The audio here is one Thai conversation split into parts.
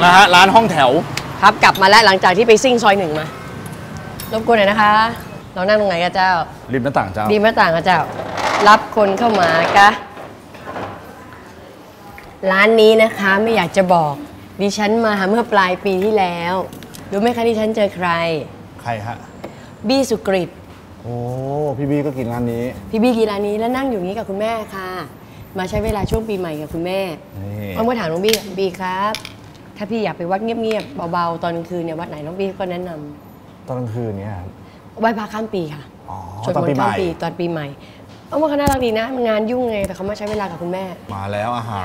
นะฮะร้านห้องแถวครับกลับมาแล้วหลังจากที่ไปซิ่งซอย1มารบกวนหน่อยนะคะเรานั่งตรงไหนกันเจ้าริมหน้าต่างเจ้าริมหน้าต่างกันเจ้ารับคนเข้ามากะร้านนี้นะคะไม่อยากจะบอกดิฉันมาเมื่อปลายปีที่แล้วรู้ไหมคะดิฉันเจอใครฮะบี้สุกฤตโอ้พี่บี้ก็กินร้านนี้พี่บี้กินร้านนี้แล้วนั่งอยู่นี้กับคุณแม่ค่ะมาใช้เวลาช่วงปีใหม่กับคุณแม่อ้อมก็ถามน้องบี้ครับถ้าพี่อยากไปวัดเงียบๆเบาๆตอนกลางคืนเนี่ยวัดไหนน้องบี้ก็แนะนำตอนกลางคืนเนี่ยไหว้พระข้ามปีค่ะสวดมนต์ข้ามปีตอนปีใหม่อ้อมว่าเขาน่ารักดีนะงานยุ่งไงแต่เขามาใช้เวลากับคุณแม่มาแล้วอาหาร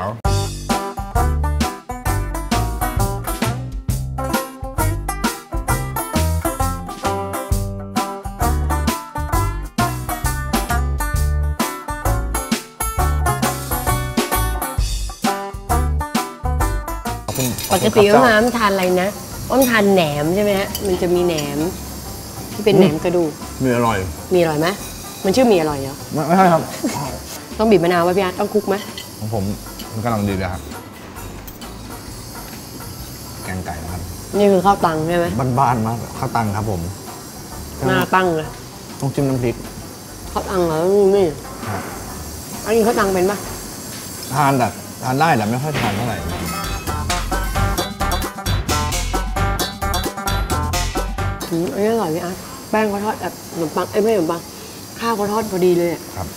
ปกติอ้อมทานอะไรนะอ้อมทานแหนมใช่ไหมฮะมันจะมีแหนมที่เป็นแหนมกระดูกมีอร่อยไหมมันชื่อมีอร่อยเหรอไม่ใช่ครับต้องบีบมะนาวไว้พี่อาร์ตต้องคลุกไหมของผมมันกำลังดีเลยครับแกงไก่นะครับนี่คือข้าวตังใช่ไหมบ้านๆมากข้าวตังครับผมหน้าตั้งเลยต้องจิ้มน้ำพริกข้าวตังเหรอนี่อันนี้ข้าวตังเป็นปะทานได้แต่ไม่ค่อยทานเท่าไหร่อันนี้อร่อยพี่อาร์ตแป้งเขาทอดแบบขนมปังไม่ใช่ขนมปังข้าวเขาทอดพอดีเลยครับ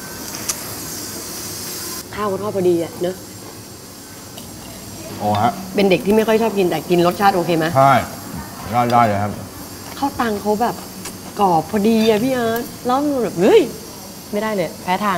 ข้าวเขาทอดพอดีเนอะโอ้ฮะเป็นเด็กที่ไม่ค่อยชอบกินแต่กินรสชาติโอเคไหมใช่ได้เลยครับข้าวตังเขาแบบกรอบพอดีพี่อาร์ตแล้วมันแบบเฮ้ยไม่ได้เลยแพ้ทาง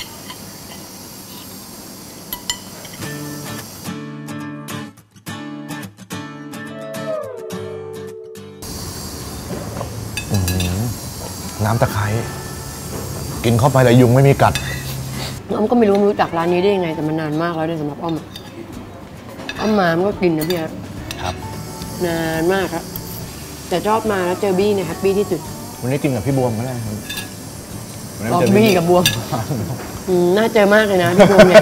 น้ำตะไคร้กินเข้าไปแล้วยุงไม่มีกัดอ้อมก็ไม่รู้จักร้านนี้ได้ยังไงแต่มันนานมากแล้วด้วยสำหรับอ้อมมามันก็กินนะพี่ครับนานมากครับแต่ชอบมาแล้วเจอบี้เนี่ยแฮปปี้ที่สุดวันนี้กินกับพี่บวมก็ได้ครับบี้กับบวมน่าเจอมากเลยนะพี่บวมเนี่ย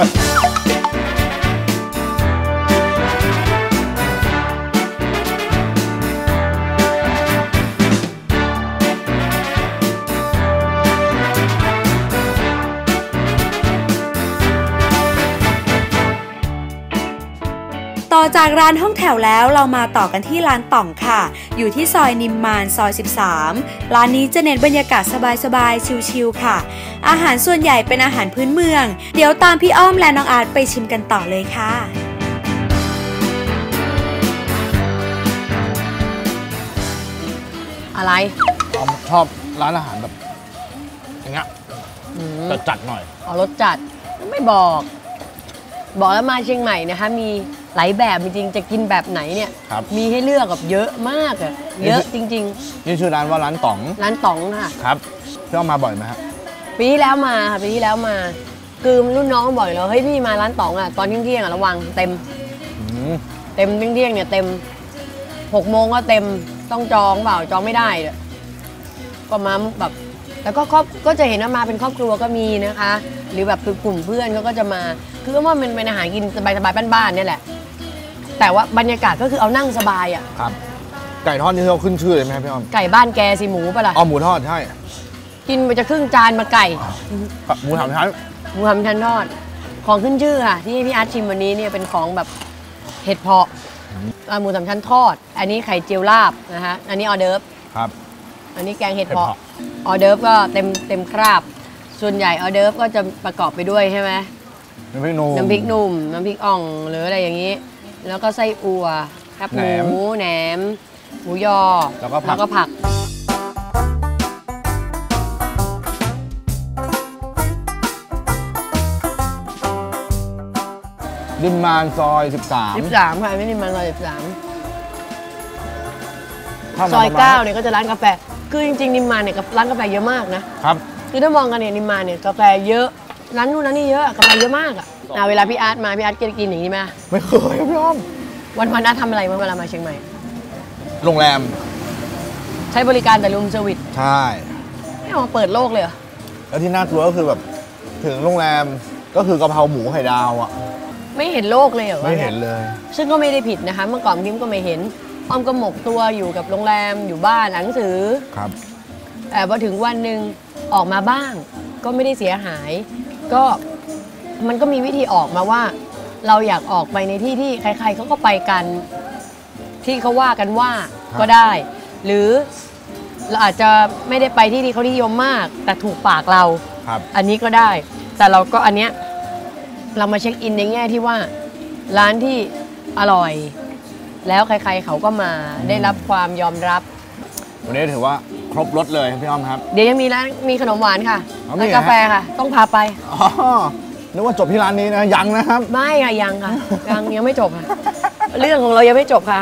ต่อจากร้านห้องแถวแล้วเรามาต่อกันที่ร้านต่องค่ะอยู่ที่ซอยนิมมานซอย13ร้านนี้จะเน้นบรรยากาศสบายๆชิลๆค่ะอาหารส่วนใหญ่เป็นอาหารพื้นเมืองเดี๋ยวตามพี่อ้อมและน้องอาร์ตไปชิมกันต่อเลยค่ะอะไรชอบร้านอาหารแบบอย่างเงี้ยจัดหน่อยรสจัดไม่บอกแล้วมาเชียงใหม่นะคะมีหลายแบบจริงๆจะกินแบบไหนเนี่ยมีให้เลือกแบบเยอะมากเยอะจริงๆนี่ชื่อร้านว่าร้านต๋องค่ะครับพี่อ้อมมาบ่อยไหมครับปีที่แล้วมาค่ะปีที่แล้วมาคือรุ่นน้องบ่อยแล้วเฮ้ยพี่มาร้านต๋องตอนเที่ยงระวังเต็มเที่ยงเนี่ยเต็ม6 โมงก็เต็มต้องจองเปล่าจองไม่ได้ก็มาแบบแต่ก็จะเห็นว่ามาเป็นครอบครัวก็มีนะคะหรือแบบคือกลุ่มเพื่อนเขาก็จะมาคือว่ามันเป็นอาหารกินสบายๆบ้านๆนี่แหละแต่ว่าบรรยากาศก็คือเอานั่งสบายครับไก่ทอดนี่เราขึ้นชื่อเลยไหมพี่อ้อมไก่บ้านแกสิหมูปะล่ะหมูทอดใช่กินไปจะครึ่งจานมาไก่หมูสามชั้นทอดของขึ้นชื่อค่ะที่พี่อาร์ตชิมวันนี้เนี่ยเป็นของแบบเห็ดเพาะหมูสามชั้นทอดอันนี้ไข่เจียวลาบนะคะอันนี้ออเดิร์ฟครับอันนี้แกงเห็ดเพาะออเดิร์ฟก็เต็มคราบส่วนใหญ่ออเดิร์ฟก็จะประกอบไปด้วยใช่ไหมน้ำพริกนุ่มน้ำพริกอ่องหรืออะไรอย่างนี้แล้วก็ไส้อั่วครับหมูแหนมหมูยอแล้วก็ผักนิมมานซอย 13ค่ะไม่นิมมานซอย13ซอย9เนี่ยก็จะร้านกาแฟคือจริงๆนิมมานเนี่ยร้านกาแฟเยอะมากนะครับคือถ้ามองกันเนี่ยนิมมานเนี่ยกาแฟเยอะร้านนู้นร้านนี้เยอะกาแฟเยอะมากเวลาพี่อาร์ตมาพี่อาร์ตกินอย่างนี้ไหมไม่เคยพี่อ้อมวันอาร์ตทำอะไรเมื่อเวลามาเชียงใหม่โรงแรมใช้บริการแต่รูมเซอร์วิสใช่ไม่เอามาเปิดโลกเลยแล้วที่น่ากลัวก็คือแบบถึงโรงแรมก็คือกะเพราหมูไข่ดาวไม่เห็นโลกเลยเหรอไม่เห็นเลยซึ่งก็ไม่ได้ผิดนะคะ เมื่อก่อนพิมก็ไม่เห็นอ้อมก็หมกตัวอยู่กับโรงแรมอยู่บ้านอ่านหนังสือครับแต่พอถึงวันหนึ่งออกมาบ้าง ก็ไม่ได้เสียหาย ก็มันก็มีวิธีออกมาว่า เราอยากออกไปในที่ที่ใครๆเขาก็ไปกัน ที่เขาว่ากันว่าก็ได้ หรือเราอาจจะไม่ได้ไปที่ที่เขานิยมมาก แต่ถูกปากเราครับอันนี้ก็ได้ แต่เราก็อันเนี้ยเรามาเช็คอินในแง่ที่ว่าร้านที่อร่อย แล้วใครๆเขาก็มาได้รับความยอมรับวันนี้ถือว่าครบรสเลยพี่อ้อมครับเดี๋ยวยังมีร้านมีขนมหวานค่ะอ๋อมีร้านเหรอฮะกาแฟค่ะ ต้องพาไปอ๋อนึกว่าจบที่ร้านนี้นะยังนะครับไม่ค่ะยังค่ะ ยังไม่จบค่ะ เรื่องของเรายังไม่จบค่ะ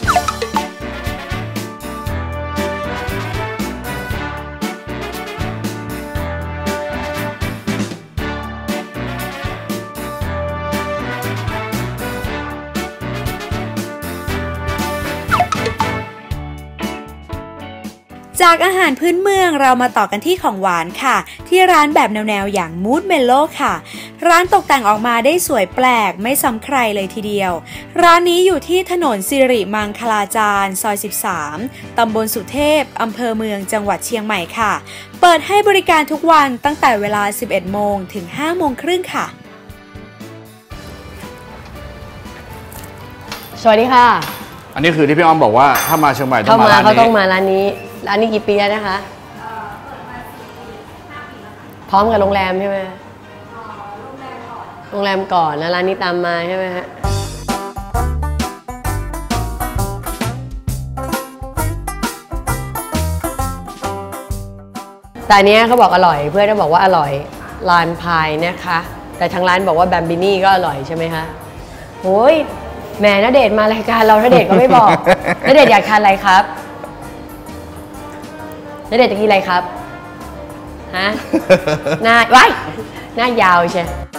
จากอาหารพื้นเมืองเรามาต่อกันที่ของหวานค่ะ ที่ร้านแบบแนวๆอย่างมูดเมโลค่ะ ร้านตกแต่งออกมาได้สวยแปลกไม่ซ้ำใครเลยทีเดียว ร้านนี้อยู่ที่ถนนสิริมังคลาจารซอย 13 ตำบลสุเทพ อำเภอเมืองจังหวัดเชียงใหม่ค่ะ เปิดให้บริการทุกวันตั้งแต่เวลา 11 โมงถึง 5 โมงครึ่งค่ะสวัสดีค่ะอันนี้คือที่พี่อ้อมบอกว่าถ้ามาเชียงใหม่ต้อเข้างมามาร้านเขาต้องนี้มาร้านนี้ ร้านนี้กี่ปีแล้วนะคะ พร้อมกับโรงแรมใช่ไหมโรงแรมก่อนแล้วร้านนี้ตามมาใช่ไหมฮะแต่อันเนี้ยเขาบอกอร่อยเพื่อนก็บอกว่าอร่อยลานพายนะคะ แต่ทางร้านบอกว่าแบมบินี่ก็อร่อยใช่ไหมคะโอ้ยแหมณเดชน์มารายการเราณเดชน์ก็ไม่บอก ณเดชน์อยากทานอะไรครับณเดชน์จะกินอะไรครับฮะ หน้าว้ายหน้ายาวใช่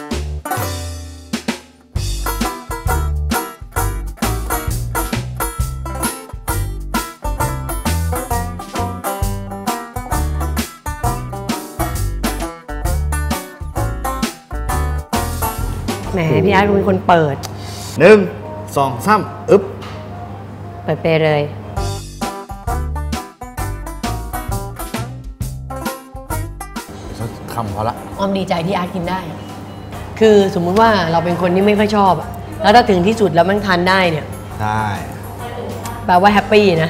แหมพี่อาร์ตเป็นคนเปิด 1 2 3อึ๊บเปิดไปเลยสักคำพอละออมดีใจที่อาร์ตกินได้ คือสมมุติว่าเราเป็นคนที่ไม่ค่อยชอบอะแล้วถ้าถึงที่สุดแล้วมันทานได้เนี่ยได้แปลว่าแฮปปี้นะ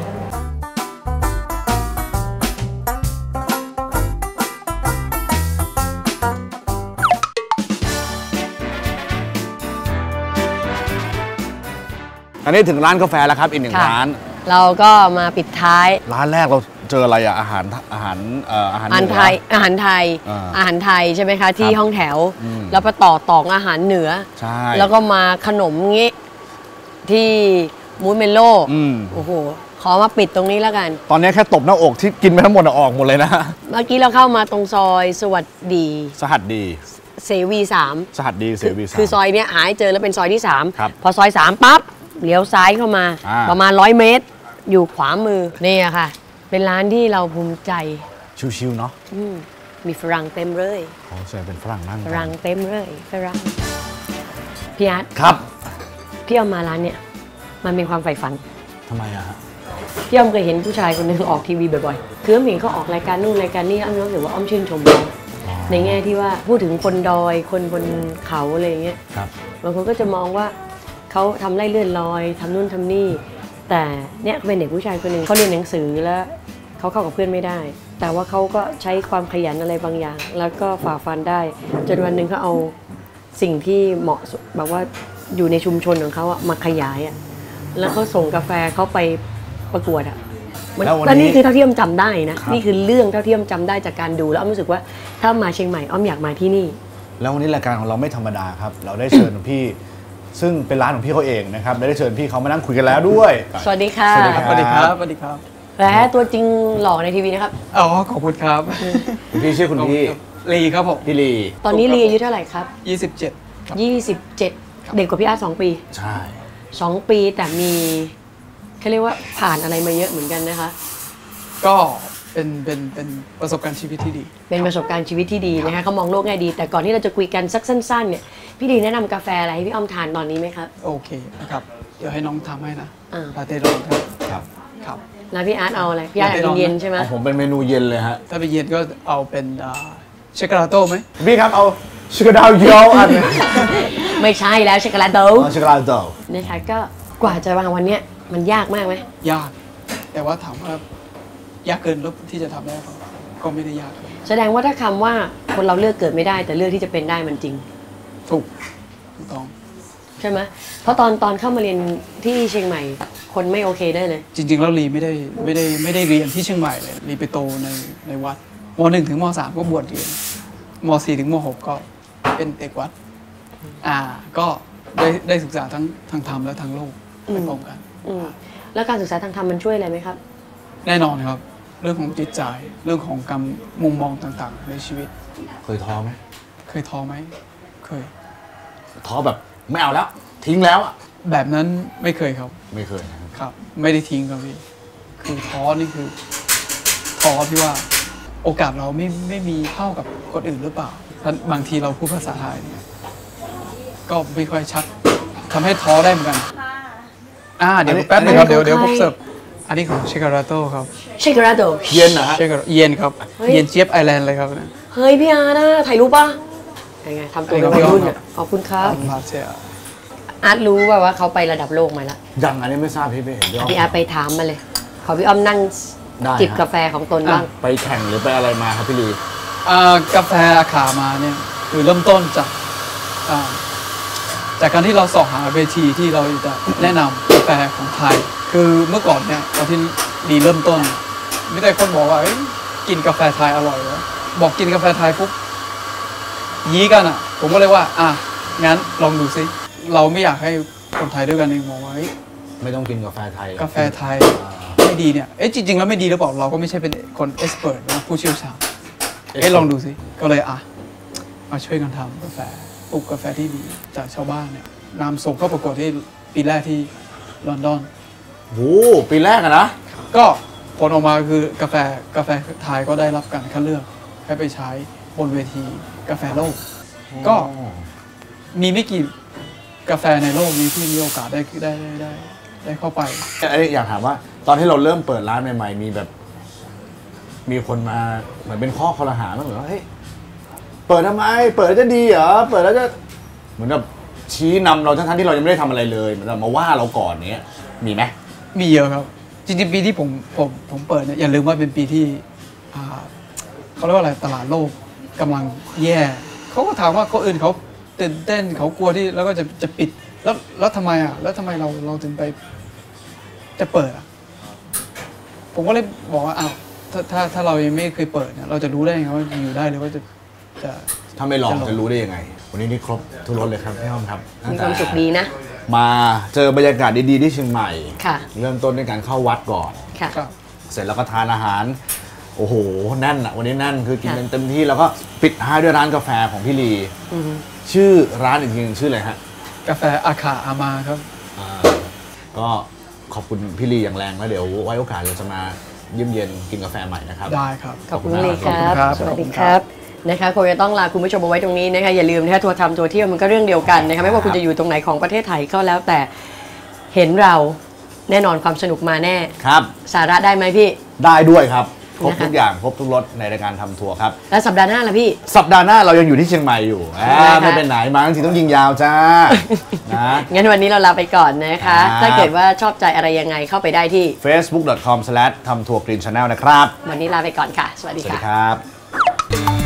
อันนี้ถึงร้านกาแฟแล้วครับอีกหนึ่งค่ะร้านเราก็มาปิดท้ายร้านแรกเราเจออะไรอะอาหารอาหารเหนือไทยอาหารไทยอ่าอาหารไทยใช่ไหมคะที่ครับห้องแถวอืมแล้วไปต่ออาหารเหนือใช่แล้วก็มาขนมงี้ที่มูสเมโลอืมโอ้โหขอมาปิดตรงนี้แล้วกันตอนนี้แค่ตบหน้าอกที่กินไปทั้งหมดอะออกหมดเลยนะเมื่อกี้เราเข้ามาตรงซอยสวัสดีสหัสดีเสวี3 สหัสดีเสวีสามคือซอยเนี้ยหาให้เจอแล้วเป็นซอยที่ครับ 3 พอซอย 3 ปั๊บเลี้ยวซ้ายเข้ามาอ่าประมาณ100 เมตร อยู่ขวามือนี่อะค่ะ เป็นร้านที่เราภูมิใจชิวๆเนาะอืมมีฝรั่งเต็มเลยโอ้ใช่เป็นฝรั่งนั่งฝรั่งเต็มเลยฝรั่งพี่อาร์ตครับพี่เอามาร้านเนี่ยมันเป็นความใฝ่ฝันทำไมอะฮะพี่อ้อมเคยเห็นผู้ชายคนหนึงออกทีวีบ่อยๆคืออ้อมเห็นเขาออกรายการนู่นรายการนี่อ้อมรู้สึกว่าอ้อมชื่นชมเขาในแง่ที่ว่าพูดถึงคนดอยคนบนเขาอะไรอย่างเงี้ยครับบางคนก็จะมองว่าเขาทำไร่เลื่อนลอยทำนู่นทำนี่ แต่เนี่ยเป็นเด็กผู้ชายคนหนึ่งเขาเรียนหนังสือแล้วเขาเข้ากับเพื่อนไม่ได้ แต่ว่าเขาก็ใช้ความขยันอะไรบางอย่าง แล้วก็ฝ่าฟันได้ จนวันหนึ่งเขาเอาสิ่งที่เหมาะสมแบบว่าอยู่ในชุมชนของเขาอะมาขยายอะแล้วเขาส่งกาแฟเขาไปประกวดอะแล้วนี่คือเท่าที่อ้อมจำได้นะนี่คือเรื่องเท่าที่อ้อมจำได้จากการดูแล้วอ้อมรู้สึกว่าถ้ามาเชียงใหม่อ้อมอยากมาที่นี่แล้ววันนี้รายการของเราไม่ธรรมดาครับ เราได้เชิญพี่ ซึ่งเป็นร้านของพี่เขาเองนะครับได้เชิญพี่เขามานั่งคุยกันแล้วด้วยสวัสดีค่ะสวัสดีครับสวัสดีครับสวัสดีครับและตัวจริงหล่อในทีวีนะครับอ๋อขอบคุณครับคุณพี่ชื่อคุณพี่ลีครับผมพี่ลีตอนนี้ลีอายุเท่าไหร่ครับ 27 ครับ 27 เด็กกว่าพี่อาร์ต2 ปีใช่ 2 ปีแต่มีเขาเรียกว่าผ่านอะไรมาเยอะเหมือนกันนะคะก็เป็นประสบการณ์ชีวิตที่ดีเป็นประสบการณ์ชีวิตที่ดีนะคะเขามองโลกแง่ดีแต่ก่อนที่เราจะคุยกันสักสั้นๆเนี่ยพี่ดีแนะนำกาแฟอะไรให้พี่อ้อมทานตอนนี้ไหมครับโอเคนะครับ เดี๋ยวให้น้องทำให้นะอ่าลาเต้ร้อนครับครับครับแล้วพี่อาร์ตเอาอะไรพี่อาร์ตอยากกินเย็นใช่ไหมผมเป็นเมนูเย็นเลยฮะถ้าไปเย็นก็เอาเป็นเชคกาลาโต้ไหมพี่ครับเอาชิคกี้ดาวเยียวอันไม่ใช่แล้วช็อกโกแลตโดชิคกี้ดาวนะคะก็กว่าจะวางวันเนี้ยมันยากมากไหมยาก แต่ว่าถามว่ายากเกินแล้วที่จะทำได้ก็ไม่ได้ยากแสดงว่าถ้าคำว่าคนเราเลือกเกิดไม่ได้แต่เลือกที่จะเป็นได้มันจริงถูกต้องใช่ไหมเพราะตอนเข้ามาเรียนที่เชียงใหม่คนไม่โอเคได้เลยจริงๆแล้วลีไม่ได้เรียนที่เชียงใหม่เลยลีไปโตในวัดม.1 ถึงม.3 ก็บวชเรียนม.4 ถึงม.6 ก็เป็นเด็กวัดก็ได้ศึกษาทั้งธรรมและทั้งโลกไปพร้อมกันอืมแล้วการศึกษาทางธรรมมันช่วยอะไรไหมครับแน่นอนครับ เรื่องของจิตใจเรื่องของการมุมมองต่างๆ ในชีวิตเคยท้อไหมเคยท้อไหมเคยท้อแบบไม่เอาแล้ว ทิ้งแล้วอะแบบนั้นไม่เคยครับไม่เคยนะครับครับ ไม่ได้ทิ้งครับพี่คือท้อนี่คือท้อที่ว่าโอกาสเราไม่มีเท่ากับคนอื่นหรือเปล่าบางทีเราพูดภาษาไทยเนี่ยก็ไม่ค่อยชัดทำให้ท้อได้เหมือนกันเดี๋ยวแป๊บนึงครับเดี๋ยวผมเสิร์ฟอันนี้ของเชคการาโต้ครับเชคราโดเย็นนะฮะเชคเย็นครับเฮ้ยเย็นเจี๊ยบไอแลนด์เลยครับเนี่ยเฮ้ยพี่อาร์ตนะถ่ายรูปป่ะยังไงทำตัวเป็นวัยรุ่นอ่ะขอบคุณครับมาเชียอาร์ตรู้ว่าเขาไประดับโลกมาแล้วยังอันนี้ไม่ทราบพี่ไม่เห็นด้วยพี่อาร์ตไปถามมาเลย ขอพี่อ้อมนั่งได้จิบฮะกาแฟของตนบ้างไปแข่งหรือไปอะไรมาครับพี่ลีกาแฟอาขามาเนี่ยคือเริ่มต้นจากการที่เราสอบหาเวทีที่เราจะแนะนำกาแฟของไทย คือเมื่อก่อนเนี่ยตอนที่ดีเริ่มต้นไม่ได้คนบอกว่ากินกาแฟไทยอร่อยแล้วบอกกินกาแฟไทยปุ๊บยี้กันผมก็เลยว่างั้นลองดูซิเราไม่อยากให้คนไทยด้วยกันเองมองว่าไม่ต้องกินกาแฟไทยกาแฟไทยไม่ดีเนี่ยจริงๆแล้วไม่ดีหรือเปล่าเราก็ไม่ใช่เป็นคนเอ็กซ์เพรสนะผู้เชี่ยวชาญลองดูสิก็เลยมาช่วยกันทำกาแฟปลูกกาแฟที่ดีจากชาวบ้านเนี่ยนำส่งเข้าประกวดที่ปีแรกที่ลอนดอนโอ้ปีแรกอะนะก็ผลออกมาคือกาแฟไทยก็ได้รับการคัดเลือกให้ไปใช้บนเวทีกาแฟโลกก็มีไม่กี่กาแฟในโลกนี้ที่มีโอกาสได้เข้าไปอยากถามว่าตอนที่เราเริ่มเปิดร้านใหม่ๆมีแบบ มีคนมาเหมือนเป็นข้อคอรหาบ้างเหรอเฮ้ยเปิดทำไมเปิดแล้วจะดีเหรอเปิดแล้วจะเหมือนแบบชี้นำเราทั้งที่เรายังไม่ได้ทำอะไรเลยเหมือนแบบมาว่าเราก่อนเนี้ยมีไหมมีเยอะครับจริงๆปีที่ผมเปิดเนี่ยอย่าลืมว่าเป็นปีที่เขาเรียกว่าอะไรตลาดโลกกำลังแย่เขาก็ถามว่าคนอื่นเขาตื่นเต้นเขากลัวที่แล้วก็จะปิดแล้วทำไมแล้วทำไมเราถึงไปจะเปิดผมก็เลยบอกว่าถ้าเรายังไม่เคยเปิดเนี่ยเราจะรู้ได้ไงว่าอยู่ได้หรือว่าจะถ้าไม่ลองจะรู้ได้ยังไงวันนี้นี่ครบทุกรสเลยครับพี่อ้อมครับมีความสุขดีนะมาเจอบรรยากาศดีๆที่เชียงใหม่ค่ะเริ่มต้นด้วยการเข้าวัดก่อนค่ะครับเสร็จแล้วก็ทานอาหาร โอ้โหแน่นอะวันนี้แน่นคือกินเต็มที่แล้วก็ปิดท้ายด้วยร้านกาแฟของพี่ลีชื่อร้านอีกทีนึงชื่ออะไรฮะกาแฟอาคาอามาครับก็ขอบคุณพี่ลีอย่างแรงแล้วเดี๋ยวไว้โอกาสเราจะมาเยี่ยมเย็นกินกาแฟใหม่นะครับได้ครับขอบคุณเลยคขอบรัคุณครับบสวัสดีครับนะคะคงจะต้องลาคุณผู้ชมเอาไว้ตรงนี้นะคะอย่าลืมนะคะทัวร์ทำทัวร์เที่ยวมันก็เรื่องเดียวกันนะคะไม่ว่าคุณจะอยู่ตรงไหนของประเทศไทยก็แล้วแต่เห็นเราแน่นอนความสนุกมาแน่ครับสาระได้ไหมพี่ได้ด้วยครับครบนะคะทุกอย่างครบทุกรสในรายการทำทัวร์ครับแล้วสัปดาห์หน้าล่ะพี่สัปดาห์หน้าเรายังอยู่ที่เชียงใหม่อยู่นะคะไม่เป็นไหนมาทั้งทีต้องยิงยาวจ้า นะงั้นวันนี้เราลาไปก่อนนะคะครับถ้าเกิดว่าชอบใจอะไรยังไงเข้าไปได้ที่ facebook.com/ทำทัวร์กรีนชาแนลนะครับวันนี้ลาไปก่อนค่ะ สวัสสดีวัสดีค่ะครับ